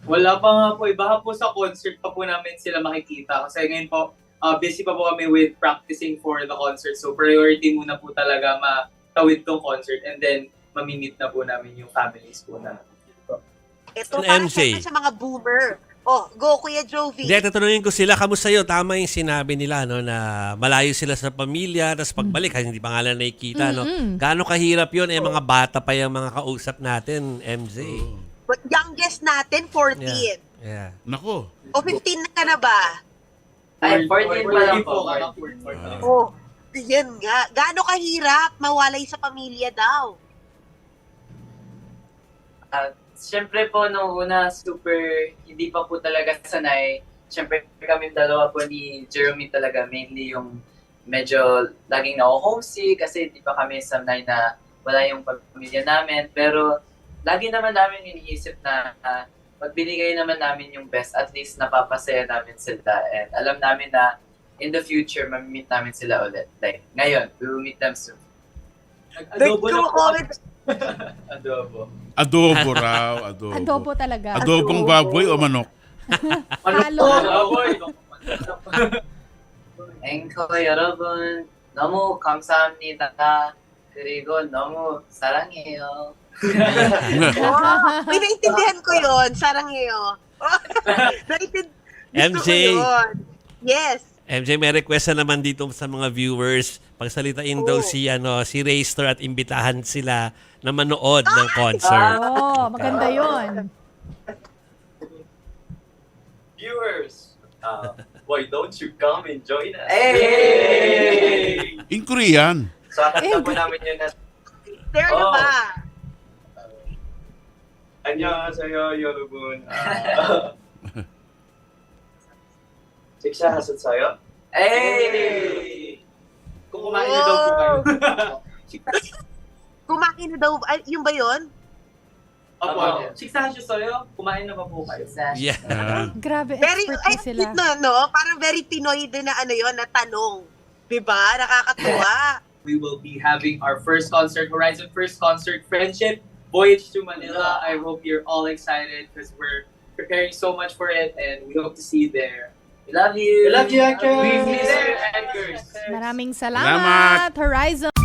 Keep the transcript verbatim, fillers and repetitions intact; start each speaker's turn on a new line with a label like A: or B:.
A: Wala pa nga po. Iba po sa concert pa po namin sila makikita. Kasi ngayon po, uh, busy pa po kami with practicing for the concert. So priority muna po talaga matawid tong concert and then mamimit na po namin yung families po na.
B: Ito
C: An
B: para
C: M J.
B: syempre sa mga boomer. Oh, go Kuya Jovi.
C: Hindi, tatanungin ko sila, kamusta yun? Tama yung sinabi nila, no, na malayo sila sa pamilya, tapos pagbalik, kasi hindi pa nga lang nakikita, no? Gaano kahirap yun? Eh, mga bata pa yung mga kausap natin, M J.
B: But youngest natin, fourteen.
C: Yeah.
D: Nako.
B: O fifteen na ka na ba?
E: Ay, fourteen pa lang po.
B: Oh, yan nga. Gaano kahirap mawalay sa pamilya daw?
E: At syempre po, nung una, super, hindi pa po talaga sanay. Syempre kami dalawa po ni Jeremy talaga, mainly yung medyo laging na-homesick kasi di pa kami sanay na wala yung pamilya namin. Pero lagi naman namin iniisip na uh, magbinigay naman namin yung best, at least napapasaya namin sila. And alam namin na in the future, mamimit namin sila ulit. Like, ngayon, we will meet them soon.
A: Adobo na po.
B: comment.
A: Adobo.
D: Adobo raw. Adobo.
F: Adobo talaga.
D: Adobong baboy o manok?
F: Halo.
A: Adobo.
E: 앵커 여러분, 너무 감사합니다. 그리고 너무 사랑해요.
B: Oh, may naintindihan ko yun. Sarangheyo. Naintindihan
C: M J.
B: ko yun. Yes.
C: M J, may request na naman dito sa mga viewers. Pagsalitain daw
B: Oh.
C: si, ano, si Raystar at imbitahan sila na manood ng concert.
F: Oo, maganda yun.
A: Viewers, uh, why don't you come and join us?
E: Hey!
D: In Korean.
A: So, kakanta po namin yun na
B: There na
A: Oh.
B: ba?
A: 안녕하세요 여러분. 아, 식사하셨어요?
E: Hey!
A: Kung kumain na daw po kayo.
B: Kumain na daw. Ay, yung ba yun?
A: Opo, 식사하셨어요? Kumain na ba po kayo?
C: Yeah.
D: Ah.
F: Grabe,
B: Very,
F: expert
B: ay,
F: din sila.
B: no, no? Parang very Pinoy din na ano yun, na tanong. Diba? Nakakatuwa.
A: We will be having our first concert, Horizon First Concert Friendship Voyage to Manila. I hope you're all excited because we're preparing so much for it and we hope to see you there.
E: We love you!
A: We love you, Anchors!
E: We miss
A: you,
E: you,
A: Anchors!
F: Maraming
D: Salamat.
F: salamat, Horizon.